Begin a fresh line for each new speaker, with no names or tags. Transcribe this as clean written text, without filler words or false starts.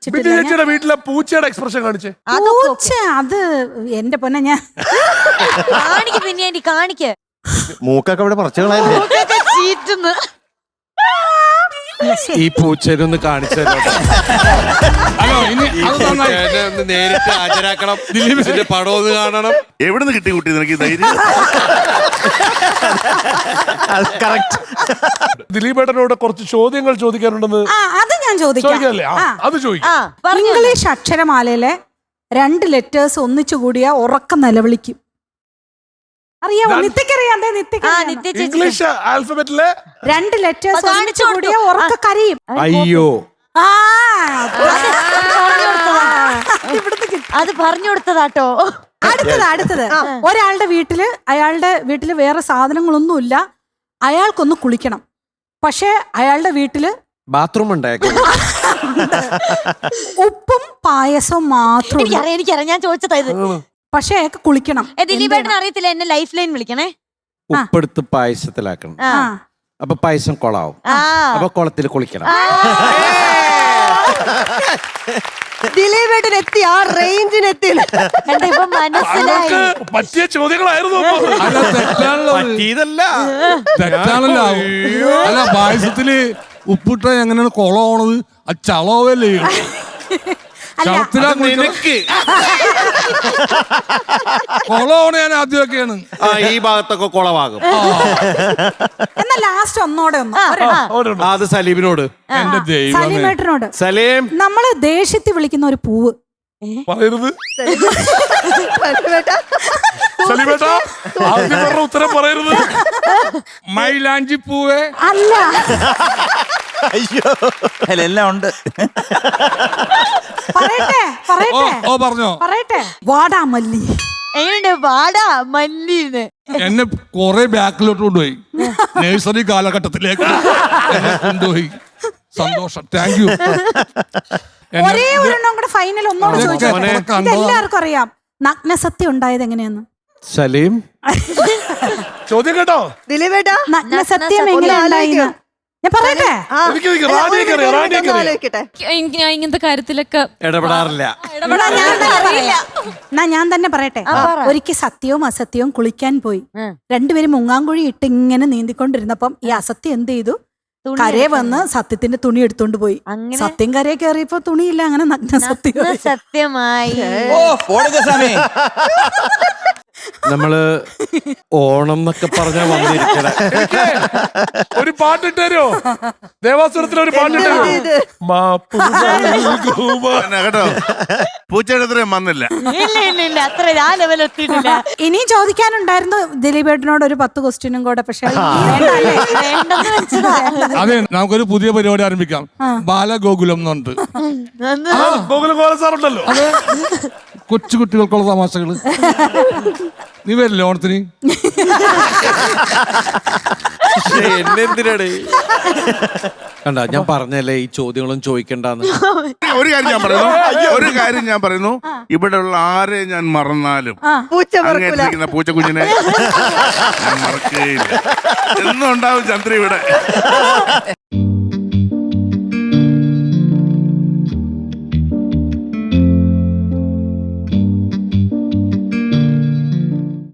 ചേച്ചിയുടെ വീട്ടിലെ പൂച്ചയുടെ എക്സ്പ്രഷൻ കാണിച്ചേ.
പൂച്ച അത് എന്റെ പൊന്നെ ഞാൻ
കാണിക്ക് പിന്നെ കാണിക്ക്.
മൂക്കൊക്കെ ഇവിടെ പറിച്ചുകളായില്ലേ?
ഈ പൂച്ചേനൊന്ന് കാണിച്ചു നേരിട്ട് ഹാജരാക്കണം. ദിലീപിന്റെ പടം ഒന്ന് കാണണം.
എവിടെ നിന്ന് കിട്ടി കുട്ടി നിനക്ക് ധൈര്യം?
ദിലീപേട്ടനോട് കുറച്ച് ചോദ്യങ്ങൾ ചോദിക്കാനുണ്ടെന്ന്.
അത് ഞാൻ ചോദിക്കാം.
അത് ചോദിക്കാം.
ഇംഗ്ലീഷ് അക്ഷരമാലയിലെ 2 ലെറ്റേഴ്സ് ഒന്നിച്ചു കൂടിയ ഉറക്കം നിലവിളിക്കും. അറിയാമോ? നിത്യക്കറിയാം.
ഇംഗ്ലീഷ് ആൽഫബറ്റിലെ
2 ലെറ്റേഴ്സ് ഒന്നിച്ചു കൂടിയ ഉറക്ക കരയും.
അയ്യോ,
അത് പറഞ്ഞു കൊടുത്തതാട്ടോ.
അടുത്തത് ഒരാളുടെ വീട്ടില്, അയാളുടെ വീട്ടില് വേറെ സാധനങ്ങളൊന്നുമില്ല, അയാൾക്കൊന്ന് കുളിക്കണം. പക്ഷെ അയാളുടെ വീട്ടില്
ബാത്റൂം ഉണ്ടായേക്കും.
ഉപ്പും പായസവും മാത്രം.
എനിക്കറിയാം, ഞാൻ ചോദിച്ചതാ ഇത്.
പക്ഷെ അയാൾക്ക് കുളിക്കണം.
ദിലീപേട്ടന് അറിയത്തില്ല, എന്നെ ലൈഫ് ലൈൻ വിളിക്കണേ.
ഉപ്പെടുത്ത് പായസത്തിലാക്കണം. അപ്പൊ പായസം കൊളാവും. അപ്പൊ കുളത്തിൽ കുളിക്കണം.
ദിലീപേട്ടൻ എത്തി, ആ റേഞ്ചിന് എത്തി.
ഇപ്പൊ മനസ്സിലായി.
പറ്റിയ ചോദ്യങ്ങളായിരുന്നു.
തെറ്റാണല്ലോ. അല്ല, പായസത്തില് ഉപ്പിട്ട എങ്ങനെയാണ് കൊളമാണത്? ആ ചളവല്ലേ കൊളമാണ്. ഞാൻ ആദ്യമൊക്കെയാണ്
ഈ ഭാഗത്തൊക്കെ കുളമാകും.
എന്നാ ലാസ്റ്റ് ഒന്നോടെ
അത് സലീമിനോട്.
എന്റെ ദൈവം,
സലീമേട്ടനോട്.
സലീം,
നമ്മള് ദേഷ്യത്തിൽ വിളിക്കുന്ന ഒരു പൂവ്
പറയരുത്. ഉത്തരം പറയരുത്.
മൈലാഞ്ചി പൂവേ
അല്ല.
അയ്യോ, എല്ലാം ഉണ്ട്.
പറയട്ടെ. വാടാമല്ലി.
എങ്ങനെയുണ്ട് വാടാ മല്ലീന്ന്?
എന്നെ കൊറേ ബാക്കിലോട്ട് കൊണ്ടുപോയി, നഴ്സറി കാലഘട്ടത്തിലേക്ക് കൊണ്ടുപോയി. സന്തോഷം, താങ്ക് യു.
ഒരേ ഒരെണ്ണം കൂടെ ഫൈനൽ ഒന്നോട് ചോദിച്ചോട്ടെ. എല്ലാവർക്കും അറിയാം നഗ്നസത്യം ഉണ്ടായത് എങ്ങനെയാന്ന്.
സലീം,
ചോദ്യം കേട്ടോ.
ദിലീപേട്ടാ,
നഗ്നസത്യം എങ്ങനെയുണ്ടായിന്ന് ഞാൻ പറയട്ടെ.
ഞാൻ ഇങ്ങനത്തെ കാര്യത്തിലൊക്കെ
ഇടപെടാറില്ല.
ഞാൻ തന്നെ പറയട്ടെ. ഒരിക്കൽ സത്യവും അസത്യവും കുളിക്കാൻ പോയി. രണ്ടുപേരും മുങ്ങാങ്കുഴി ഇട്ട് ഇങ്ങനെ നീന്തിക്കൊണ്ടിരുന്നപ്പം ഈ അസത്യം എന്ത് ചെയ്തു? കരയെ വന്ന് സത്യത്തിന്റെ തുണി എടുത്തോണ്ട് പോയി. സത്യം കരയെ കയറിയപ്പോ തുണിയില്ല. അങ്ങനെ നഗ്ന സത്യം
സത്യമായി.
നമ്മള് ഓണം എന്നൊക്കെ പറഞ്ഞാ വന്നിരിക്കണേ.
ഒരു പാട്ടിട്ടോ, ദേവാസുരത്തിലെ ഒരു പാട്ടിട്ടോ.
കേട്ടോ, പൂച്ചയുടെ അത്രയും വന്നില്ല.
ഇല്ല, അത്ര ആ ലെവൽ എത്തിയിട്ടില്ല.
ഇനിയും ചോദിക്കാനുണ്ടായിരുന്നു ദിലീപേട്ടനോട് ഒരു 10 ക്വസ്റ്റ്യനും കൂടെ. പക്ഷെ
വേണ്ടെന്ന് വെച്ചതാ.
അതെ, നമുക്കൊരു പുതിയ പരിപാടി ആരംഭിക്കാം. ബാലഗോകുലം എന്നുണ്ട്.
ഗോകുലം സാറുണ്ടല്ലോ.
കൊച്ചു കുട്ടികൾക്കുള്ള തമാശകള്. നീ വരില്ലേ ഓണത്തിന്?
എന്നെന്തിനാണ് കണ്ട, ഞാൻ പറഞ്ഞല്ലേ ഈ ചോദ്യങ്ങളും ചോദിക്കണ്ടെന്ന്.
ഒരു കാര്യം ഞാൻ പറയുന്നു, ഇവിടെ ഉള്ള ആരെ ഞാൻ മറന്നാലും പൂച്ചക്കുഞ്ഞിനെ ഞാൻ മറക്കുകയില്ല. എന്നും ഉണ്ടാവും ചന്ദ്ര ഇവിടെ.